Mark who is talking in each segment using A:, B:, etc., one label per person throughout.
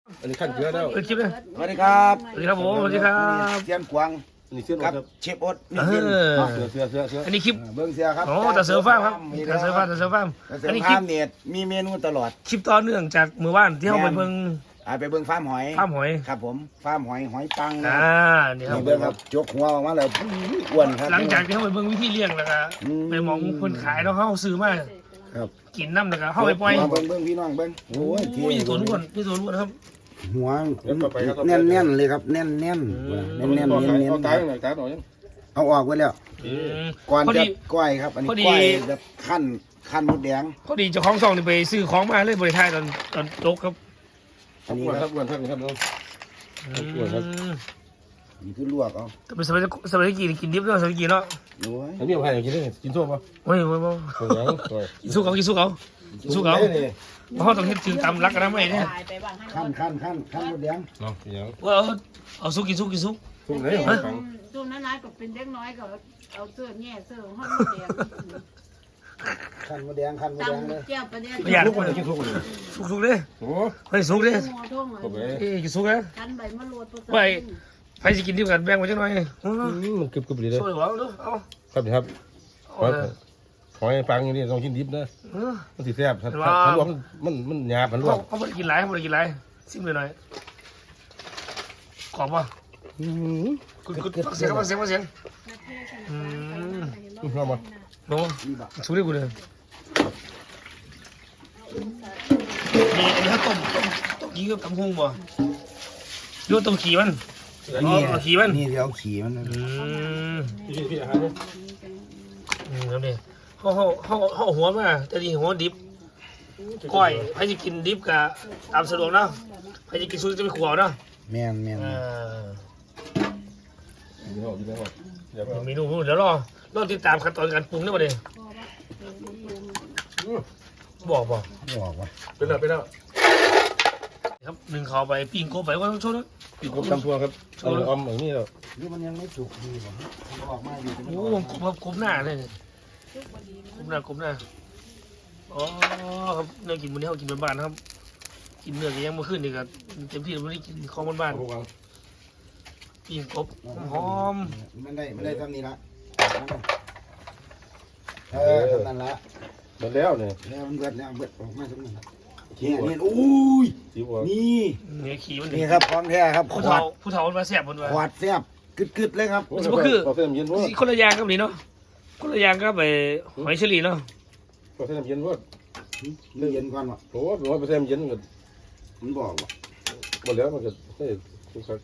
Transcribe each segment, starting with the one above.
A: อันนี้ขั้นเกลือแล้ว
B: คลิปเลย
C: สวัสดีครับ
B: สวัสดีครับผมสวัสดีครับ
C: เซียนกวาง
A: อันนี้เส้น
C: กับ
A: ครับ
C: เชฟโอ๊ตนี่กิน
A: เสือ
B: อันนี้คลิป
C: เบิ้งเสียครับ
B: โอ้แต่เสือฟ้าครับแต่เสือฟ้าแต่เสือฟ้า
C: แต่เสือ
B: อันนี้ค
C: ฟา
B: ลิ
C: ร์
B: ป
C: มเนี่ยมีเมนูตลอด
B: คลิปต่อเนื่องจากมือว่านที่เราไปเบิ่ง
C: ไปเบิ้งฟาร์มหอย
B: ภาพหอย
C: ครับผมฟาร์มหอยปังนะ
B: นี่ครับ
C: นี่เบิ้งครับจกหัวออกมาแล้วอ้วนครับ
B: หลังจากที่เราไปเบิ่งวิธีเลี้ยงแล้วก็ไปมองคนขายแล้วเขาซื้อมา
C: ครับ
B: กินน้ำแล้วก็เข้าไปปล่อย
C: เบิ้งพี่น้องเบิ้งโอ้ย
B: โอ้ยสวนล้วนพี่สวนล้วนครับ
C: หัวแน่นเลยครับแน่น
A: เอาตายหน่อยตายหน่อย
C: เอาออกไว้แล้วก่อน
B: พอ
C: จะ
B: ดี
C: ก้อยครับอันนี้
B: พอดี
C: ก้อยแบบขั้นมดแดง
B: พอดีเจ้าของซองนี่ไปซื้อของมาเลยบริทายตอนโต๊ะครับ
C: อันนี้
A: อ้วน
C: ค
A: ค
C: รั
A: รั
C: บบ
A: อ้วนครับนี่ครับน้อง
C: นี่คือลวกเอา
B: แต่เป็นสมัยกินดิบเนาะสมัยกินเนาะ
C: โอ้ย
A: อันนี้เอาให้กินได้กินส้มป่ะ
B: โอ้ย
A: ตัวยังตัว
B: กินสู้เขาเพราะต้องเฮ็ดถึงตามรักกันนะไม่เนี่ย
C: ขั้นมดแดง
A: เนาะยัง
B: ว่าเอาสู้กินสู้
A: ส้มไหนของฟัง
D: ช่วงนั้นนายก็เป็นเด็กน้อยก็เอาเสื้อแง่เสื้อห้องแดง
C: ขั้นมดแดงเลย
D: ตำเจ้าประเดี๋ยว
B: ประหยัด
A: ทุกคนกินทุกคน
B: สุกเลย
A: โอ้
B: เฮ้ยสุกเลย
D: หัวท่ง
A: ก็ไป
B: กินสุกเลย
D: กันใบมะรวดตัว
B: ไปใครจะกินดิบกันแบ่งมาจังหน่อย
A: มันกึบเลย
B: ช่วยหวังดูเอา
A: ครับครับหอยฟังอย่างนี้ต้องกินดิบนะมันสิแซ่บถ้าลวกมันหยาบมันลวก
B: เขาไม่ได้กินหลายเขาไม่ได้กินหลายซิมเลยหน่อยขอบป่ะคุณฟังเสียง
A: ชอบป่ะ
B: โน้สุกเลยกูเลยนี่อันนี้เขาต้มยีกับตำหุงบ่โยนต้มขี้มันเอาขี้มัน
C: นี่เดี๋ยวขี่มัน
A: พี่อาหารเนี่ย
B: แล้วเนี่ยเขาหัวมาแต่ดีหัวดิบก้อยใครจะกินดิบกับตามสะดวกเนาะใครจะกินซุปจะไปขวเนาะ
C: แม่น
A: กินแล้วเดี๋ยว
B: เมนูเดี๋ยวรอติดตามขั้นตอนการปรุงได้ป่ะเนี่ยบอก
C: บอกว่า
A: เป็นแล้ว
B: ครับหนึ่งเขาไปปิ้งโคไปว่าต้องชดนะ
A: ปีกบตำทัวครับอมอย่างนี้แล้ว
C: นี่มันยังไม่สุกดีป่ะออกมาดี
B: โอ้กบหน้าเลยกบหน้าอ๋อครับเนื้อกินวันนี้เขากินบ้านๆครับกินเนื้อก็ยังไม่ขึ้นอีกครับเต็มที่วันนี้กินของบ้านๆปิ้งกบหอม
C: มันได้ทำนี่ละทำนั่นละ
A: หมดแล้วเนี่ย
C: แล้วมันเบิดออกมาตรงนั้นนี่อุ้ย
A: สีบัว
C: นี่
B: เนี่ยขี่มัน
C: นี่ครับของแท้ครับข
B: ผู้เฒ่ามันมาแสบมันมา
C: วดแซ่บกึดเลยครับ
A: กาแฟเย็นว่า
B: คนละอย่างครับนี่เนาะคนละอย่างก็ไปหอยเชอรี่เนาะ
A: กาแฟเย็นว่า
C: มันเย็นก่อนวะ
A: โอ้โหกาแฟเย็นกัน
C: มันบอกว่า
A: หมดแล้วมันก็ให้ทุกครั้ง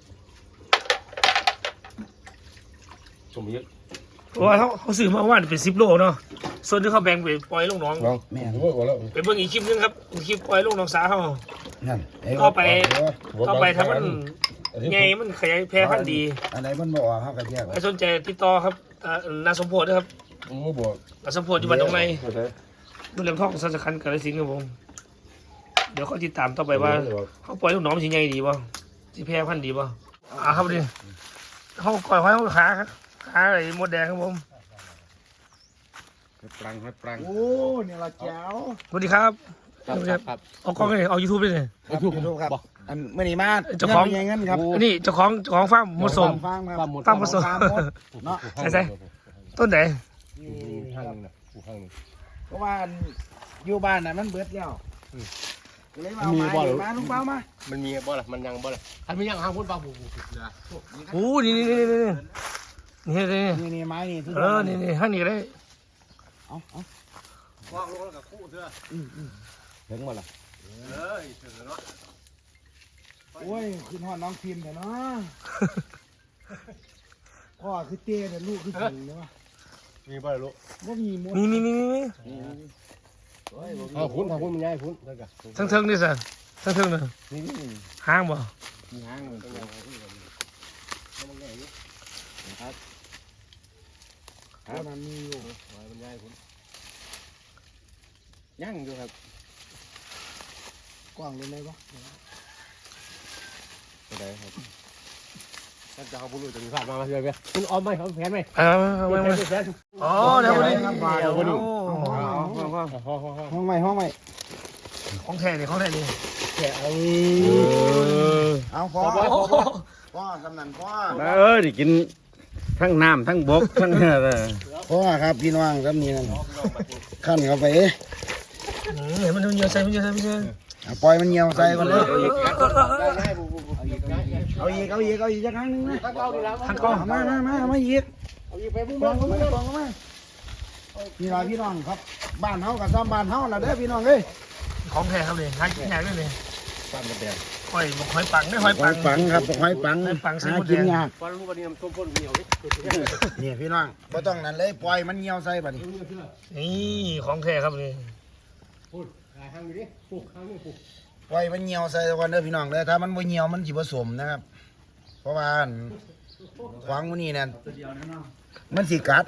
A: ชมเยอะ
B: เพราะว่าเขาซื้อมาว่าเป็น10 โลเนาะส่วนที่เขาแบ่งไปปล่อยลงหนอง
A: ลองผมว่าแล้ว
B: ไปเบิ่งอีกคลิปนึงครับคลิปปล่อยลงหนองสาเขา
C: นั่น
B: เข้าไปถ้ามันไงมันขยายแพร่พันธุ์ดี
C: อะไรมันบอกว่าเขากระแยก
B: ใครสนใจติดต่อครับนาสมโพธินะครับ
A: ไม่บอก
B: นาสมโพธิอยู่บ้านตรงไหนดูเรื่องท่องสัจคันกาฬสินธุ์ครับผมเดี๋ยวเขาติดตามต่อไปว่าเขาปล่อยลูกน้องมันสิใหญ่ดีป่ะสิแพร่พันธุ์ดีป่ะครับดิเขาก่อยไว้เขาขาอะไรมดแดงครับผม
A: ปรัง
C: โอ้เนี่ยเราแจ๋ว
B: สวัสดีครับ
A: ครับ
B: เอากล้องเลยเอา YouTube เลยเนี่ย
C: ครับดูครับอันเมื่อนี้มา
B: เจ้าของ
C: เงินครับ
B: อันนี้เจ้าของฟาร์มมดสม
C: ฟาร์มครับ
B: ฟาร์มมดสม
C: เนาะ
B: ใช่ต้นไหน
A: ข้างนึงนะข้างนึง
C: เพราะว่าอยู่บ้านน่ะมันเบิดแล้วเลยมาลุงเป้ามา
A: มันมีบ่ล่ะมันยังบ่ล่ะอันไม่ยังห้างพุ่นปลาบูนะ
B: โอ้นี่
C: นี่ไม้นี่
B: นี่ห้างนี้เลย
C: เอา
A: วางลงแล้วกับคู่เถอะ
C: ถึงมาละ
A: เอ้ยถึงแล้ว
C: โอ้ยขึ้นหอดน้องพิมพ์แต่เนาะพ่อคือเต้แต่ลูกคือถึงเลยวะ
A: มีบ่ล่ะลูก
C: ว่ามีมด
B: นี่
A: พุ่นมันใหญ่พุ่นแล้วก็
B: ทั้งนี่สิทั้งเลย
A: นี่
B: ห้างบ่
A: มีห้างมันต้องยังครับ
C: มันมีอยู่
A: มันใหญ่พุ่นยังอยู่ครับ
C: กว้างเลยไหมวะ
A: ได้ครับถ้าจะเอาบุรุษจะมีภาพมาเรื่อยๆคุณออมไหมเขาแผนไหม
B: ไม่อ๋อเดี๋ยววันนี้
C: ห้องใหม่
B: ของแท้นี่ของแท้นี่
C: แกเอาพอพ่อกำนันพ่อ
E: ดิกินทั้งน้ำทั้งบกทั้งอะไร
C: พ่อครับพี่น้องครับนี่นั่นขั้นเข้าไป
B: เห็นมันเยอะใส่มันเยอะใส่มันเยอะ
C: ปล่อยมันเหี่ยวใส่ก่อนเลยเอาอีกจักครั้งนึงนะ
B: ทั้งกล้อง
C: มาอีกพี่น้องครับบ้านเฮากับซ้ำบ้านเฮาล่ะเด้อพี่น้องเอ้ย
B: ของแท้ครับเลยหากินยากเลย
A: บ้านมันแดง
B: หอยบอกหอยปังได้หอย
C: ห
B: ปั
C: อง ยปังครับหอยปัง
B: หอยปังใส่
C: หา
B: หมด
C: กิน
B: แดง
C: ยากนี่พี่น้องบ่ต้องนั่นเลยปล่อยมันเหี่ยวใส่บัดนี้
B: นี่ของแท้ครับนี่
C: ปล่อยมันเหี่ยวใส่ก่อนเด้อพี่น้องเด้อถ้ามันบ่เหี่ยวมันสิผสมนะครับ เพราะว่าขวางมื้อนี้นั่นมันสิกัด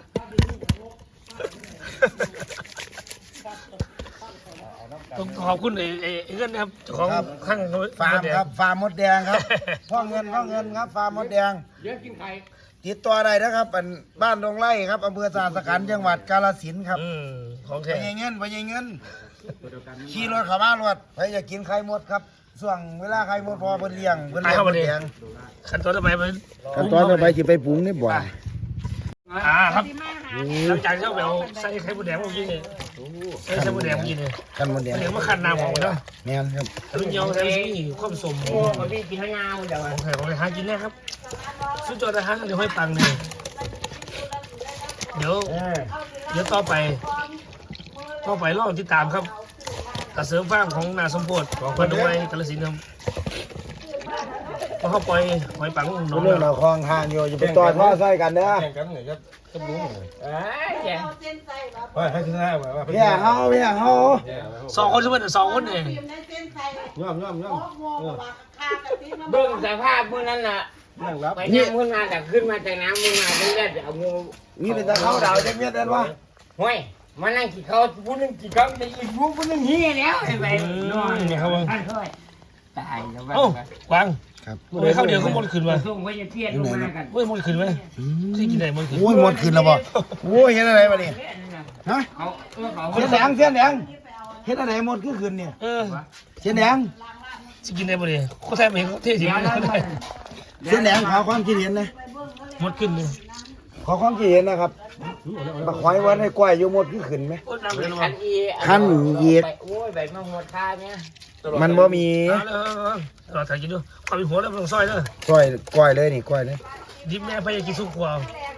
B: ต้องขอบคุณไอ้เงินนะครับเจ้าของข้าง
C: ฟาร์มครับฟาร์มมดแดงครับพ่อเงินครับฟาร์มมดแดงติดต่อได้นะครับบ้านดงไร่ครับอำเภอสาสขันธ์จังหวัดกาฬสินธุ์ครับ
B: ของ
C: ไป
B: แท้
C: ยังเงินขี่รถเข้ามารถไปอยากกินไข่มดครับช่วงเวลาไข่มดพอเพิ่นเลี้ยงมดแดง
B: ขั้นตอนต่อไปเป็น
C: ขั้นตอนต่อไปสิไปปรุงนี่บ่
B: ครับหลังจากที่เราใส่ไข่มดแดงเมื่อกี้นี่ใส่ไข่มดแดงเมื่อกี้นี่
C: ขั้นมดแดง
B: เดี๋ยวมาขั้นน้ำของมันเนาะ
C: แม่นครับ
B: รุ่นเยาว์ใส่นี่ความสม
E: พี่กินข้าวงาเดี๋ยว
B: ของแท้ของหากินแน่ครับสุดยอดนะฮะเดี๋ยวให้ปังนี่เดี๋ยวต่อไปลองติดตามครับกระเสริมฟาร์มของนาสมโพธิของพันธุ์ไว้กาฬสินธุ์ครับพอเข้าปล่อยหอยปังน้อง
C: เรื่องเราคลองทางอยู่อย่าไปต่อท่อใส่กันเด้อ
A: แข่งกันเลยครับก็รู้เลย
E: แย่
A: ว่าให้ชนะว่า
C: พี่เฮา
B: สองคนใช่ไหมสองคนเอง
A: ย่อม
E: เบิ่งสภาพมื้อนั้นน่ะ
A: นั่งรับ
E: ไปนั่งขึ้นมาแต่ขึ้นมาจากน้ำมึงมาเรื่อยๆเอางู
C: มีเป็นตะเข้าดาวจักเม็ดได้บ่
E: ห้วยมานั่งกินข้าวผู้นึงกินข้าวจะอีกผู้นึงเฮียแล้วไอ้ไปนอน
B: นี่ครับ
E: ตายแล้ว
B: เอ้า กวาง
C: ครับ
B: ไม่เข้าเดียวเขาหมดขึ้นมา
E: ส่งไว้จะเทียนลงมากัน
B: เว้ยหมดขึ้นไหมที่กินไหนหมดขึ้น
C: โอ้ยหมดขึ้นแล้วบ่โอ้ยเฮ็ดอะไรบัดนี้ฮะ
E: เขาเขา
C: เสียแดงเฮ็ดอะไรหมดคือขึ้นเนี่ย เสียแดง
B: จะกินได้บ่เนี่ยเขาแทบไม่เขาเททิ้ง
C: เสียแดงขอความคิดเห็นนะ
B: หมดขึ้นเลย
C: ขอความคิดเห็นนะครับบักหอยวันให้กล้วยอยู่หมดคือขึ้นไหม
E: คันอีโอ้ยใบมะม่วงคาเนี่ย
C: มันบ่มี
B: เราถ่ายกินดูความเป็นหัวแล้วต้องซอยเด้อก
C: ล้วยเลยนี่กล้วยเลย
B: ดิบแม่พยายกินสุกกว่า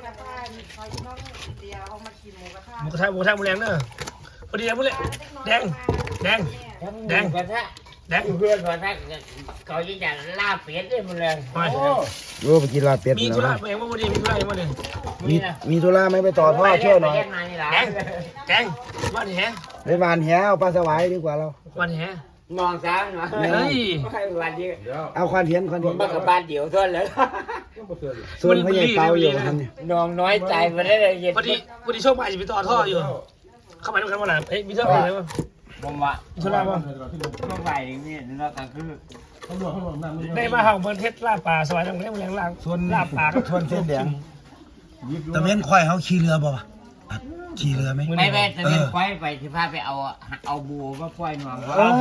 B: หมูกระทะหมูแรงเด้อพอดีแล้วพวกเลยแดง
E: กระทะเพื่อนกระทะเขาจะลาเป็ดได้หมดเลย
C: โอ้ไปกินลาบเป็ด
B: มีธุระเองว่าพอดีมีธุระเองว่าเนี่ย
C: มีธุระไหมไปต่อท่อช่วยหน่อย
B: แดงวันแห
C: ไปบานแหเอาปลาสวายดีกว่าเรา
B: วันแห
E: มองซ้ายหน่อย
B: เฮ้ย
E: วันเดียว
C: เอาควันเทียน
E: มันกับบ้านเดียวเท่านั้นเลย
C: ส่วนพญาเตาอยู่ท่านนี่
E: น้องน้อยใจมาได้เลยเย็น
B: พอดีโชคมาจะไปต่อท่ออยู่เข้ามาด้วยกันวันไหนมีเท่าไหร่วะ
E: ผมว่า
B: มีธุระป่ะ
E: ต้องไปนี่เราก็คือ
B: ได้มาเห่าเมืองเทศลาป่าสวายตรงนี้มันยังลาส่วนลาป่าก็
C: ชวนเส้นแดงตะเวนควายเขาขี่เรือบ่วะขี่เรือไหม
E: ไม่แม่จะเป็นควายไปที่พาไปเอาบัวมาควายหน่อย
B: โอเค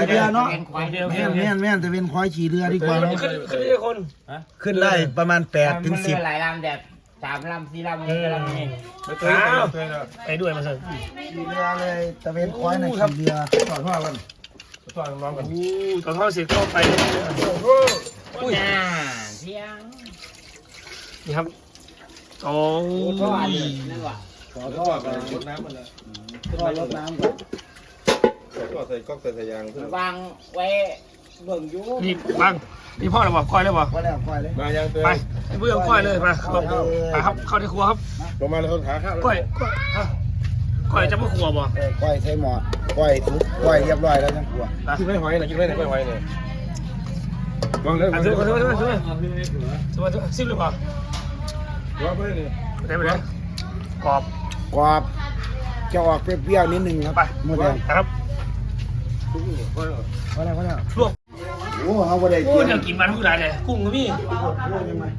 C: เนาะ
E: เป็นควาย
C: แม่นตะเวนควายขี่เรือดีกว่าเนาะ
B: ขึ้นได้คน
C: ขึ้นได้ประมาณ8 ถึง
E: 10หลายลำแบบ3 ลำ 4 ลำนี่ลำนี่
B: ไปด้วยมาสิ
C: ขี่เรือเลยตะเวนควายน่ะขี่เรือ
A: สอนว่ากันสอนน้องกัน
B: ต่อท่อเสร็จก็ไป
E: อุ้ยเที่ยง
B: นี่ครับโอ้
E: ก็อันนี้นั่นว่ะ
A: สอนท่อกันรดน้ำมันละ
C: ก็รดน้ำก่อน
A: ก็ใส่ก๊อกใส่ยาง
E: วางไว้เบิ่งอยู่
B: นี่บังนี่พ่อเราบอกก้อยเลยบอก
C: ก็แล้วควายเลย
A: มายังเตือ
B: ไปเพื่อนก้อยเลยมาครับเข้าในครัวครับ
A: ลงมาแล้วคนขาข้าว
B: ก้อยจะมาครัวบ่
C: ควายใส่หม้อควายทุกควายเรียบร้อยแล้วทั้งครัว
A: กินไม่หอยนะกินไม่หอยเนี่ยมองเลย
B: อ่ะซื้อซิมหรือเปล่า
A: ว่าไปเลย
B: ได้ไหมเนี่ยกรอบ
C: กรอบจะออกเปรี้ยวๆนิดนึงครับ
B: ไป
C: หมดแดง
B: ครับ
C: พอแล้ว
B: ลวก
C: โอ้เอาบ่ได้
B: โอ้
C: กิน
B: เดี๋ยวกินมันทุกอย่างเลยกุ้งก็มี
C: ยังไง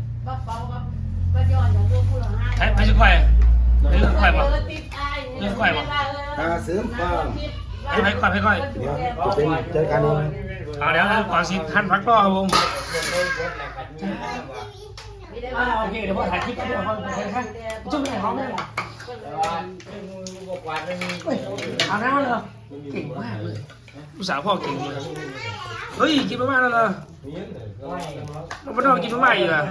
B: ไม่ใช่ควายเรื่องควายป่ะเรื่องควายป่ะ
C: ตาเสริมฟาร์ม
B: ให้ก่อน
C: เดี๋ยวจะเป็นเจอกันเอง
B: เอาเดี๋ยวก่อนสิท่านพักรอครับผมโอเคเดี๋ยวพ่อถ่ายคลิปกันด้วยพ่อถ่ายครับจุ่มไหนหอมเลยเอาน้ำมาเลยเก่งมากเลยลูกสาวพ่อเก่งเลยเฮ้ยกินมาม่าแล้วเหรอน้องพ่อกินมาม่าอยู่อ่ะ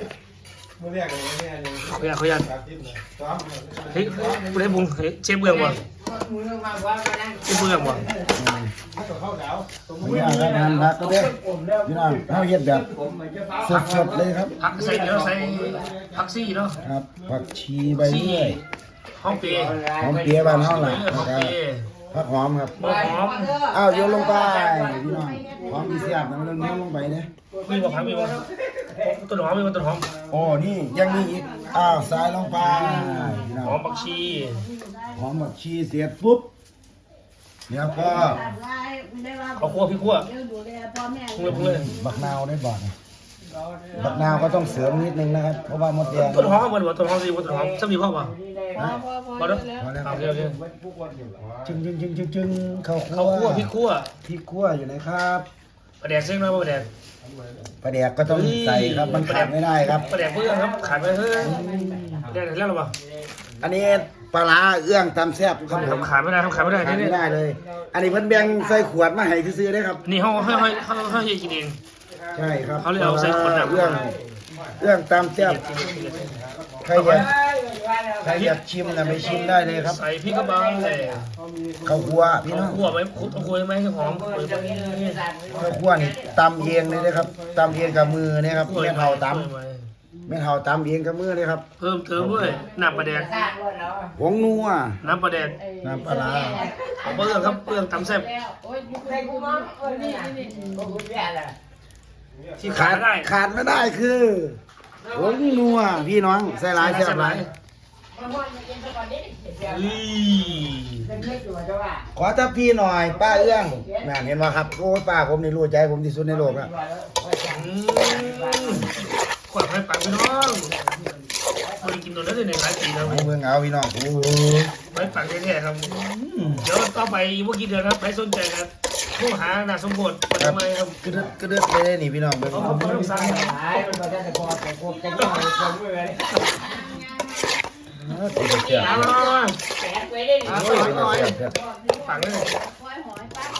B: เขาอยากเฮ้ยคุณให้บุ้งเชฟเบื้องวะเชฟเบื้องวะ
C: พี่น้องครับงานพักก็ได้พี่น้องเขาเฮ็ดแบบสดๆเลยครับ
B: ผักใส่เดี๋ยวใส่ผักซี่เนาะ
C: ครับผักชีใบเลื่อย
B: ห้องเปีย
C: หอมเปี๊ยะบ้านเฮาล่ะ
B: ห้องเปีย
C: ผักหอมครับ
B: หอม
C: อ้าวโยนลงไปพี่น้องหอมดีเสียบนะมันโยนลงไปเนี่ย
B: มีบ่ผักมีบ่ต้นหอมมีบ่ต้นหอม
C: โอ้นี่ยังมีอีกอ้าวใส่ลงไปพี่น้อง
B: หอมผักชี
C: หอมผักชีเสร็จปุ๊บเดี๋ยวก็
B: ข้าวคั่วพี่คั่ว
D: ดูแลพ่อแม่
B: ปรุงเลย
C: บักนาวได้บ่อนบักนาวก็ต้องเสริมนิดนึงนะครับเพราะว่ามดแดง
B: ต้นหอมบ่ต้นหอมสิบ่ต้นหอมซ้ำนี่พ่อบ่
D: พอ
B: บ่เด้อ
C: พอแล้ว
B: เอาเร็ว
C: จึงเข้า
B: ๆข้าวคั่วพี่คั่ว
C: พริกคั่วอยู่ไหนครับ
B: ปลาแดกเส้นน้อยบ่ปลาแดก
C: ปลาแดกก็ต้องใส่ครับมันขาดไม่ได้ครับ
B: ปลาแดกเพื่อนครับขาดไปเฮ้ยได้แล้วหรือเปล่า
C: อันนี้ปลาร้าเอื้องตำแซ่บครับผม
B: ขาดไม่ได้ครับขาดไม่ได้
C: ขาด
B: นี่
C: ไม่ได้เลย อันนี้เพิ่นแบ่งใส่ขวดมาให้ซื้อๆได้ครับ
B: นี่เขากินเอง
C: ใช่ครับ
B: เขาเลยเอาใส่ขวดน้ำ
C: เรื่องตำแซ่บใครอยากชิมนะไปชิมได้เลยครับ
B: ใส่พริกกระบังเลย
C: ข้าวคั่วพี่น้อง
B: คั่วไหมคั่วไหมให้หอมคั่วไหม
C: ข้าวคั่วนี่ตำเองเลยนะครับตำเองกับมือเนี่ยครับแม่เฒ่าตำแม่เฒ่าตำเองกับมือเลยครับ
B: เพิ่มเติมด้วยน้ำปลาแดก
C: ผงนัว
B: น้ำปลาแดก
C: น้ำปลาร้า
B: เบื้องครับเบื้องตำแซ่บ
D: โอ้ยนี่
B: ที่ขาดไม่ได้
C: ขาดไม่ได้คือผงนัวพี่น้องใส่หลายแซ่บหลาย ขอทับพี่หน่อยป้าเอื้องแม่เห็นไหมครับโอ้ป้าผมนี่รู้ใจผมที่สุดในโลกแล้ว
B: ขวดให้ปังพี่น้องบริกินตัวนั้นในหลายปีแล้ว
C: เมืองเอาพี่น้องโอ้โห
B: ไว้ปังแท้ๆครับเดี๋ยวต่อไปเมื่อกี้เดือนครับใครสนใจครับผู้หาหนาสมบูรณ์ทำไมครับ
C: กระเด็ดเลยนี่พี่น้องเบิ่ง
B: เขาต้องสร้าง
C: ติดเสียบ
B: เอาละปังเลย
D: หอยป้า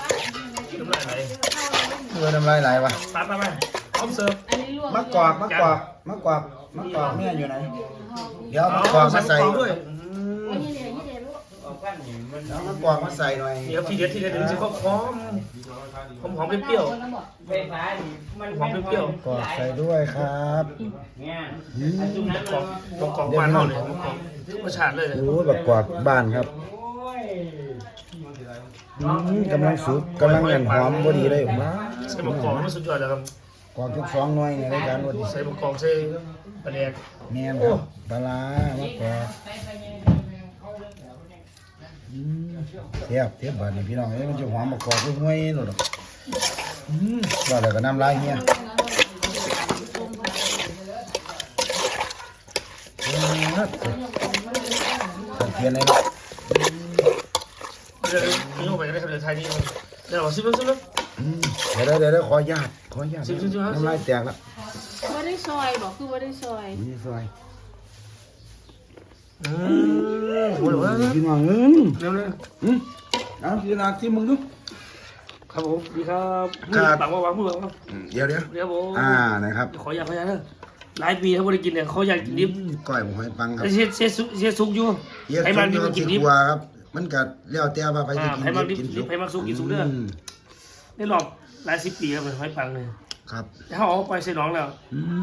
B: น้ำลายไหล
C: น้ำลายไหลวะ
B: ปังไปพร้อมเสิร์ฟ
D: อันนี้ลวก
C: มะกอกแม่อยู่ไหนเดี๋ยวมะกอกมาใส่
B: ด้วย
D: นี่เดี๋ยวลูก
C: แล้วมะกอกมาใส่หน่อย
B: เดี๋ยวทีเด็ดเดี๋ยวจะหอมเปรี้ยว หอมเปรี้ยว
C: กอกใส่ด้วยครับอืม
B: กอกบ้านเราเลยกอกธรรมชาติเลย
C: โอ้บักกอกบ้านครับกำลังสุกกำลังเงินหอมพอดีเลยว้า
B: ใส่หมกกอกมันสุดยอดเลยครับ
C: กอกทุก2หน่วยในรายการวันนี้
B: ใส่หมกกอกใส่ปลาแดก
C: แม่นครับปลาร้ามะกอกเทียบบ้านนี้พี่น้องเอ้ยมันจะหอมมะกอกทุกหน่วยหมดหรอกว่าแล้วก็น้ำลายเฮียสังเกตเลยนะ
B: เดี๋ยวนี่เข้าไปก็ได้ครับเดี๋ยวไทยนี่เดี๋ยวซิมซิม
C: เดี๋ยวขอญาตน้ำลายแตกแล้ว
D: ว่าได้ซอยบอกคือว่าได้ซอย
C: นี่ซอย
B: โอ้โห
C: พี่น้องเร็วเลยเอาพี่นาที่มึงดู
B: ครับผมดีครับปังว่าวางมือวาง
C: เดี๋ยว
B: เดี๋ยวผม
C: นะครับ
B: ขออยากขออยากเถอะหลายปีเขาไม่ได้กินเนี่ยเขาอยากกินดิบ
C: ก้อยหมูหอยปังครับ
B: เสียสุกอยู่ไขมันดิบกินดิบ
C: ครับมันกัดเลี้ยวแต่ว่าไปจะกิน
B: ไขมันดิบ
C: กิน
B: ดิบไขมันสุกกินสุกเด้อได้หลอกหลาย10 ปีครับหอยปังเลย
C: ครับ
B: แล้วเขาเอาไปใส่น้องแล้ว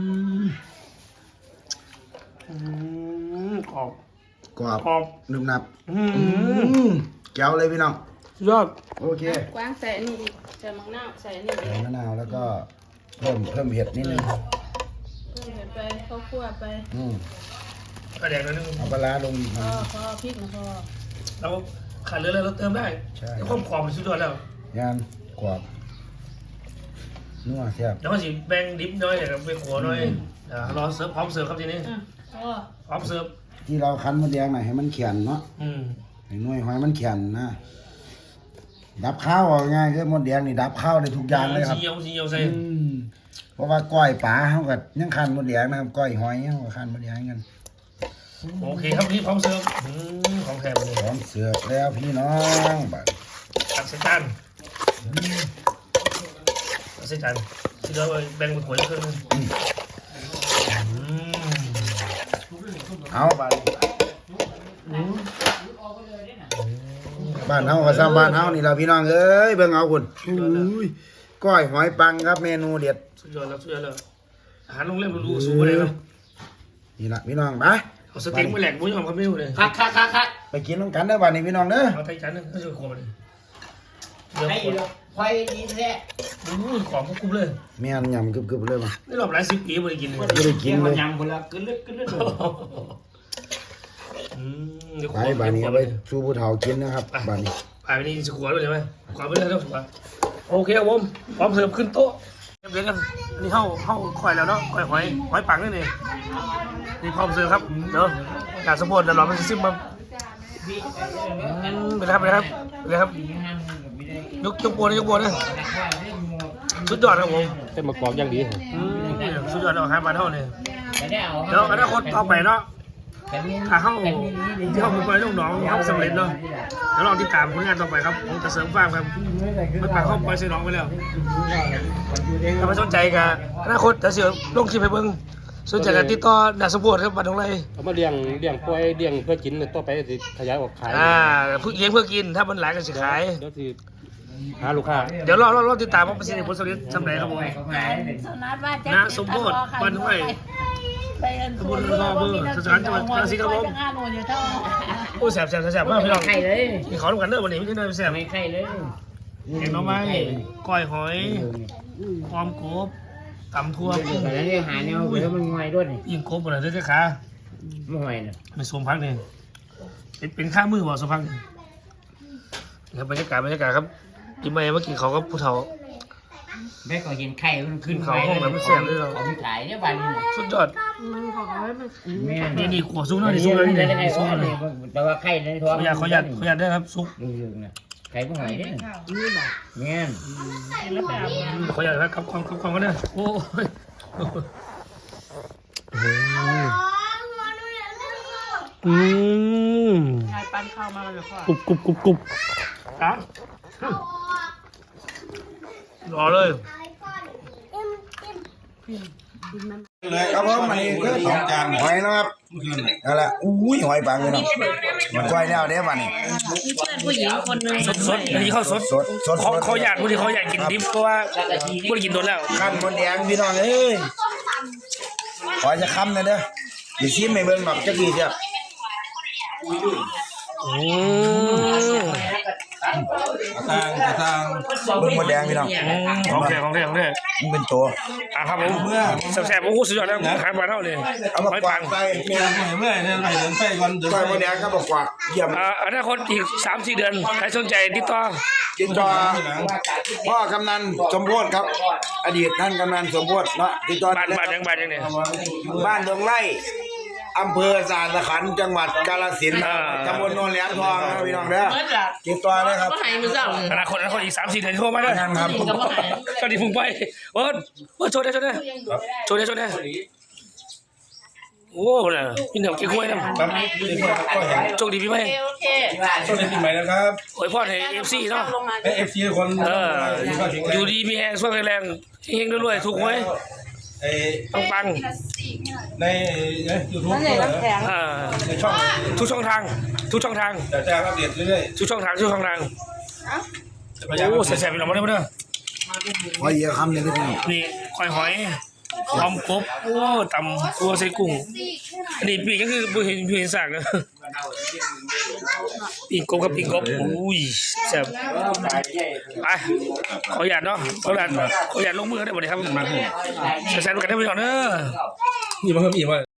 B: กรอบ
C: กรอบ
B: กรอบ
C: นุ่มหนับแก้วเลยพี่น้อง
B: ยอด
C: โอเค
D: กวางใส่อันนี้อีกใส่มังนาวใส่อันนี้
C: ใส่มะนาวแล้วก็เพิ่มเผ็ดนิดนึง
D: เพิ่มไปข้าวคั่วไป
B: กระแดกนิดนึง
C: เอาปลาร้าลงอีกหน่อย
D: พอพริกนะพอ
B: เราขาดเหลืออะไรเราเติมได้
C: ใช่
B: ความกรอบมันสุดยอดแล้ว
C: งานกรอบนัวแซ่บ
B: เดี๋ยวเขาสิแบ่งดิบน้อยอย่างไปขัวน้อยรอเสิร์ฟพร้อมเสิร์ฟครับทีนี้
D: พอ
B: พร้อมเสิร์ฟ
C: ที่เราคั้นมะแดงหน่อยให้มันแข็งเนาะให้หน่วยหอยมันแข็งนะดับข้าวเอาง่ายคือมดแดงนี่ดับข้าวได้ทุกอย่างเลยครับ
B: สีเหี่ยวใส่
C: เพราะว่าก้อยปลาเฮาก็ยังคันมดแดงนะครับก้อยหอยเฮาก็คันมดแดงกัน
B: โอเคครับนี่พร้อมเสิร์ฟของแถมเลย
C: พร้อมเสิร์ฟแล้วพี่น้องบัด
B: ตักใส่จานตักใส่จานที่เราแบ่งเป็นถ้วยครึ่งนึง
C: เอาบัดบ้านเฮาก็ซ้ำบ้านเฮานี่ล่ะพี่น้องเอ้ยเบิ่งเอาคุณอุ้ยก้อยหอยปังครับเมนูเด็ด
B: สุดยอดแล้วสุดยอดแล้วอาหารโรงแรมหรูๆสูงเลยครับ
C: นี่ล่ะพี่น้องไป
B: เอาสเต็กมาแหลกบุ้ยหอมครับไม่รู้เลย
E: คัก
C: ไปกินน้ำกันเด้อบัดนี้พี่น้องเด้อ
B: เอาไทยจานนึงก็จะขวบเลยเดี๋ยว
E: ให้
B: ขวบ
E: ไฟดีแท้
B: ของพวกคุ้มเลย
C: แม่นยำกึบๆเลยมา
B: นี่รอบหลาย10 ปีไม่ได้กินเลย
C: ไม่ได้กินเลย
E: ยำคนละกึลึก
B: เดี๋ยวข
C: ไป
B: วบ
C: บัดนี้เอาไปสู่ผู้เฒ่ากินนะครับบัดนี้
B: ไปนี่จะขวบด้วยใช่ไหมขวบไปเลยต้องขวบโอเคครับผมพร้อมเสิร์ฟขึ้นโต๊ะเรียบร้อยกันอันนี้เข้าข่อยแล้วเนาะข่อยหอยปังนี่นี่นี่พร้อมเสิร์ฟครับเนาะอยากสมบูรณ์แต่เราไม่ซิมมาไปเลยครับยกโบนะสุดยอดครับผม
A: เส้นมะกอกอย่างดี
B: สุดยอดเอาหาบ้านเท่าเนี่ย
E: ไม่ได้เอา
B: เดี๋ยวอนาคตต่อไปเนาะถ้าเข้าที่เข้าไปลูกน้องเข้าสำเร็จเนาะเดี๋ยวลองติดตามผลงานต่อไปครับผมจะเสริมฟาร์มครับไม่ปากเข้าไปใส่น้องไปแล้วถ้าไม่สนใจกับอนาคตจะเสียลงคลิปให้เบิ่งสนใจกันติดต่อนักสมบูรณ์ครับบ้านตรงไร
A: เอามาเลี้ยงปล่อยเลี้ยงเพื่อกินต่อไปสิขยายออกขาย
B: เลี้ยงเพื่อกินถ้ามันหลายก็สิขาย
A: เดี๋ยวสิหาลูกค้า
B: เดี๋ยวรอติดตามว่าประสิทธิผลสำเร็จสำเร็จครับผม
D: สนัดว่าจะ
B: นะสมบูรณ์บ้านตรงไร
D: ไปอัน
B: สมบูรณ์รอเบอร์สถานจังหวัดกาฬสินธุ์ครับผม
D: งานโน่นอยู่เท่า
B: โอ้แสบมากพี่น้อง
E: ไข่เลย
B: มีขอร่วมกันเด้อวันนี้ไม่ใช่เด้อแสบ
E: ไม่ไข่เลย
B: แกงหน่อไม้ก้อยหอยหอมกบตำทั่วกุ้ง
E: แต่แล้วเนี่ยหาแนวแล้วมันงอยด้วยนี่
B: ยิงกบหมดเลยด้วยขา
E: ไม่งอยน่ะ
B: ไม่สวมพักเนี่ยเป็นข้ามือบ่สวมพักเนี่ยครับบรรยากาศครับกินไปเมื่อกี้เขาก็ผู้เฒ่า
E: แม่ก็เห็นไข่มันขึ้น
B: เขาห้องแบบมันแซ่บเลยเรา
E: เขาไม่ขายเนี่ยบ้านนี้
B: สุดยอด
E: แม่
B: นี่ขวดซุกเนาะนี่ซุกเลยนี่
E: ไข่
B: ซุกเลย
E: แต่ว่าไข่ในท้อง
B: ขออยากได้ครับซุก
E: ดูนะไข่ไม่หอยเนี่ยแม่
B: ขออยากครับความกันเด้อโอ้ย
D: ยายปั้นข้าวมาเลยพ่อก
B: รุบครับรอเลย
C: เลยครับผมอันนี้คือสองจานหอยนะครับนั่นแหละอุ้ยหอยปังเลยเนาะมันก้อยแล้วเด้บัดนี้
D: ผู้หญิงคนนึง
B: สดอันนี้ข้าวสด
C: สด
B: เขาอยากบางทีเขาอยากกินดิบเพราะว่าไม่ได้กินโดนแล้ว
C: ขั้นมดแดงพี่น้องเอ้ยขอจะค้ำหน่อยเด้ออย่าชิมให้เบิ่งแบบจักดีเจ้าเบิ่งมดแดงพี่น้อง
B: ของแท้
C: มันเป็นตัว
B: ครับผมแซ่บๆโอ้โหสุดยอดแล้วขายมาเท่าเลย
C: เอามา
B: ไม่
C: กวา
B: ปั
C: ด
B: ง
C: ใส่เมีย
A: เมื่อเนี่ยไปเดินไฟก่อนเดิน
C: ก้อยมดแดงก็บอกกวาดเยี่ยม
B: อนาคตอีก 3-4 เดือนใครสนใจติดต่อ
C: กินจอพ่อกำนันสมโพธิครับ อดีตท่านกำนันสมโพธิเนาะติดต่อ
B: บ้านยังเนี่ย
C: บ้านดงไร่อำเภอสารสขันธ์จังหวัดกาฬสินธุ์ตำบลโนนแหลมทองนะพี่น้องเด้อติดต่อเลยครับ
B: อนาคตอีก 3-4 เดือนโทรมาได้
C: ยังครับ
B: ก็ดีพุ่งไปโชว์ได้โอ้โหน่ะพี่เหนียวกี่กล้วยนะโชคดีพี่ไหม
A: สวัสดีปีใหม่นะครับ
B: โอ้ยพ่อให้ FC เนาะ
A: FC คน
B: อยู่ดีมีแรงช่วยแรงเฮงรวยถูกหวยปัง
A: ในยูทูบในช่อง
B: ทุกช่องทาง
A: จะแจ้งอัปเดตเรื่อย
B: ทุกช่องทางโอ้แซ่บๆพี่น้องมาเด้อ
C: ขอเยอะคำหนึ่งพี่น้อง
B: นี่ก้อยหอยหอมกบโอ้ตำตัวใส่กุ้งอันนี้ปีกก็คือบ่เห็นสากนะปีกกบกับปีกกบอุ้ยแซ่บไปขออนุญาตเนาะขออนุญาตลงมือได้บ่ได้ครับแซ่บๆกันได้พี่น้องเด้อ
A: ๆนี่มาเพิ่มอีกว่า